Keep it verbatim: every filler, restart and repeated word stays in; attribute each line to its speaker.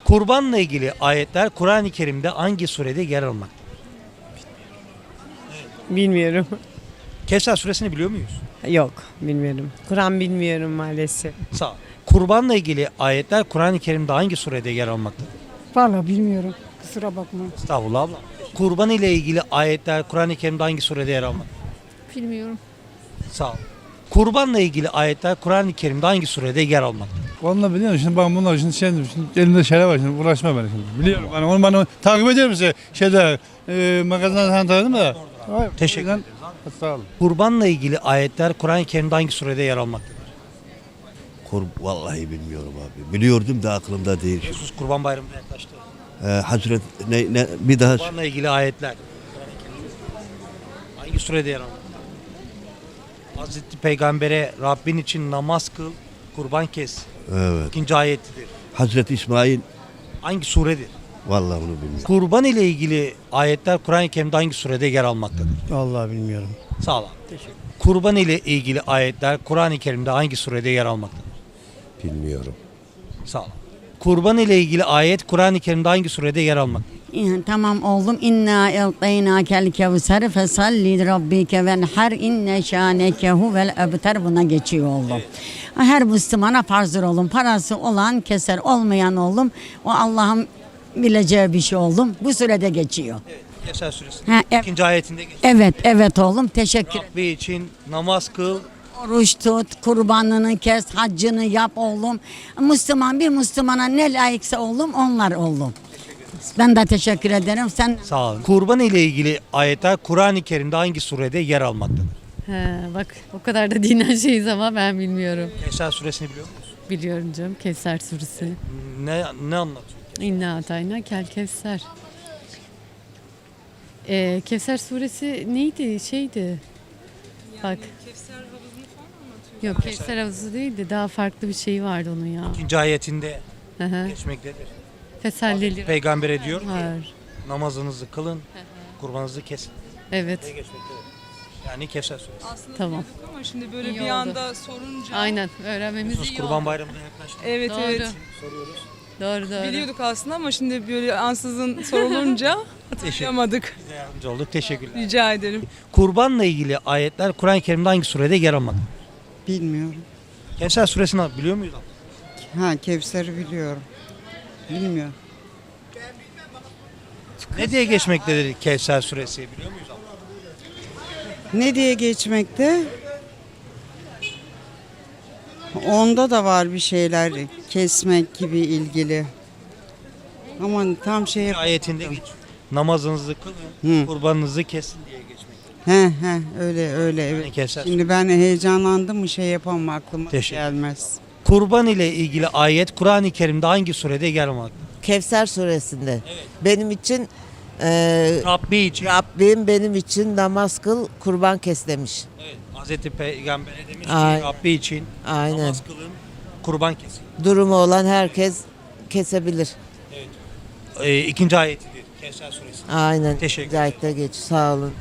Speaker 1: Kurbanla ilgili ayetler Kur'an-ı Kerim'de hangi surede yer almaktadır?
Speaker 2: Bilmiyorum.
Speaker 1: Kevser suresini biliyor muyuz?
Speaker 2: Yok, bilmiyorum. Kur'an bilmiyorum maalesef.
Speaker 1: Sağ ol. Kurbanla ilgili ayetler Kur'an-ı Kerim'de hangi surede yer almaktadır?
Speaker 3: Vallahi bilmiyorum. Kusura bakma.
Speaker 1: Estağfurullah abla. Kurban ile ilgili ayetler Kur'an-ı Kerim'de hangi surede yer almaktadır?
Speaker 4: Bilmiyorum.
Speaker 1: Sağ ol. Kurbanla ilgili ayetler Kur'an-ı Kerim'de hangi surede yer almaktadır?
Speaker 5: Vallahi biliyorum şimdi ben bunlar şimdi, şimdi, şimdi elimde şeyler var şimdi uğraşma beni şimdi. Biliyorum ben onu ben takip ediyorum size şeyde e, magazinden sen tanıdın mı? Hayır,
Speaker 1: Teşekkür
Speaker 5: o yüzden-
Speaker 1: ederiz
Speaker 5: Sağ olun.
Speaker 1: Kurbanla ilgili ayetler Kur'an-ı Kerim'de hangi surede yer almaktadır?
Speaker 6: Kur, vallahi bilmiyorum abi. Biliyordum da aklımda değil.
Speaker 1: Sus Kurban Bayramı'na yaklaştı.
Speaker 6: Ee, Hazret ne, ne bir daha
Speaker 1: Kurbanla ilgili ayetler Kur'an-ı Kerim'de hangi surede yer almaktadır? Hazreti Peygamber'e Rabbin için namaz kıl, kurban kes.
Speaker 6: evet.
Speaker 1: İkinci ayetidir.
Speaker 6: Hazreti İsmail
Speaker 1: Hangi suredir?
Speaker 6: vallahi bunu bilmiyorum.
Speaker 1: Kurban ile ilgili ayetler Kur'an-ı Kerim'de hangi surede yer almaktadır?
Speaker 7: Vallahi bilmiyorum.
Speaker 1: Sağ ol abi. Kurban ile ilgili ayetler Kur'an-ı Kerim'de hangi surede yer almaktadır?
Speaker 6: Bilmiyorum.
Speaker 1: Sağ ol. Kurban ile ilgili ayet Kur'an-ı Kerim'de hangi surede yer almaktadır?
Speaker 8: İyi, tamam oğlum. İnna eltaynakel kevser fesalli rabbike venher inne şaneke huvel ebter, buna geçiyor oğlum. Her Müslümana farzdır oğlum. Parası olan keser, olmayan oğlum. O Allah'ın bileceği bir şey oğlum. Bu sürede geçiyor.
Speaker 1: Kevser suresi.
Speaker 8: Ha, evet.
Speaker 1: İkinci ayetinde geçiyor.
Speaker 8: Evet, evet oğlum. Teşekkür ederim.
Speaker 1: Rabbi için namaz kıl.
Speaker 8: Oruç tut, kurbanını kes, haccını yap oğlum. Müslüman bir Müslümana ne layıksa oğlum onlar oğlum. Ben de teşekkür ederim. Sen
Speaker 1: Sağ olun. Kurban ile ilgili ayetler Kur'an-ı Kerim'de hangi surede yer almaktadır?
Speaker 4: He, bak o kadar da dinen şeyiz ama ben bilmiyorum.
Speaker 1: Kevser suresini biliyor musunuz?
Speaker 4: Biliyorum canım. Kevser suresi.
Speaker 1: Ne ne anlatıyor?
Speaker 4: İnna atayna kel kevser. Ee, Kevser suresi neydi? Şeydi. Bak. Kevser havuzunu falan anlatıyor. Yok, Kevser havuzu değildi. Daha farklı bir şey vardı onun ya.
Speaker 1: İkinci ayetinde
Speaker 4: Hı hı.
Speaker 1: geçmektedir.
Speaker 4: Fesalleli
Speaker 1: Peygamber'e diyor ki
Speaker 4: var.
Speaker 1: namazınızı kılın, kurbanınızı kesin.
Speaker 4: Evet.
Speaker 1: diye geçmektedir. Yani Kevser suresi.
Speaker 9: Aslında
Speaker 4: Tamam.
Speaker 9: biliyorduk ama şimdi böyle
Speaker 4: İyi
Speaker 9: bir
Speaker 4: oldu.
Speaker 9: anda sorunca.
Speaker 4: Aynen. Öğrenmemiz
Speaker 1: Sus
Speaker 4: iyi
Speaker 1: Kurban
Speaker 4: oldu.
Speaker 1: Bayramı'na yaklaştı.
Speaker 9: Evet
Speaker 4: Doğru.
Speaker 9: evet.
Speaker 1: Soruyoruz.
Speaker 4: Doğru doğru.
Speaker 9: Biliyorduk aslında ama şimdi böyle ansızın sorulunca hatırlayamadık.
Speaker 1: Bize yardımcı olduk. Teşekkürler.
Speaker 9: Rica ederim.
Speaker 1: Kurbanla ilgili ayetler Kur'an-ı Kerim'de hangi surede yer almaktadır?
Speaker 3: Bilmiyorum.
Speaker 1: Kevser suresini biliyor muyuz? abla?
Speaker 3: Ha, Kevser'i biliyorum. Bilmiyorum.
Speaker 1: Ne diye geçmektedir Kevser suresi biliyor muyuz? abla?
Speaker 3: Ne diye geçmekte? Onda da var bir şeyler kesmek gibi ilgili. Ama tam şey
Speaker 1: Bir ayetinde geçiyor. Namazınızı kılın,
Speaker 3: Hı.
Speaker 1: kurbanınızı kesin diye geçmektedir.
Speaker 3: He he öyle öyle
Speaker 1: Yani
Speaker 3: evet.
Speaker 1: Kevser.
Speaker 3: Şimdi ben heyecanlandım mı şey yapamam, aklıma
Speaker 1: Teşekkür.
Speaker 3: gelmez.
Speaker 1: Kurban ile ilgili ayet Kur'an-ı Kerim'de hangi surede yer almaktadır?
Speaker 10: Kevser suresinde. Benim için e,
Speaker 1: Rabbi için.
Speaker 10: Rabbim benim için namaz kıl, kurban kes demiş.
Speaker 1: Evet. Hazreti Peygamber'e demiş ki
Speaker 10: Aynen.
Speaker 1: Rabbi için
Speaker 10: Aynen.
Speaker 1: namaz kılın, kurban kesin.
Speaker 10: Durumu olan herkes kesebilir.
Speaker 1: Ee, ikinci ayetidir Kevser suresi.
Speaker 10: Aynen.
Speaker 1: Teşekkür
Speaker 10: Cahit'te geç. Sağ olun.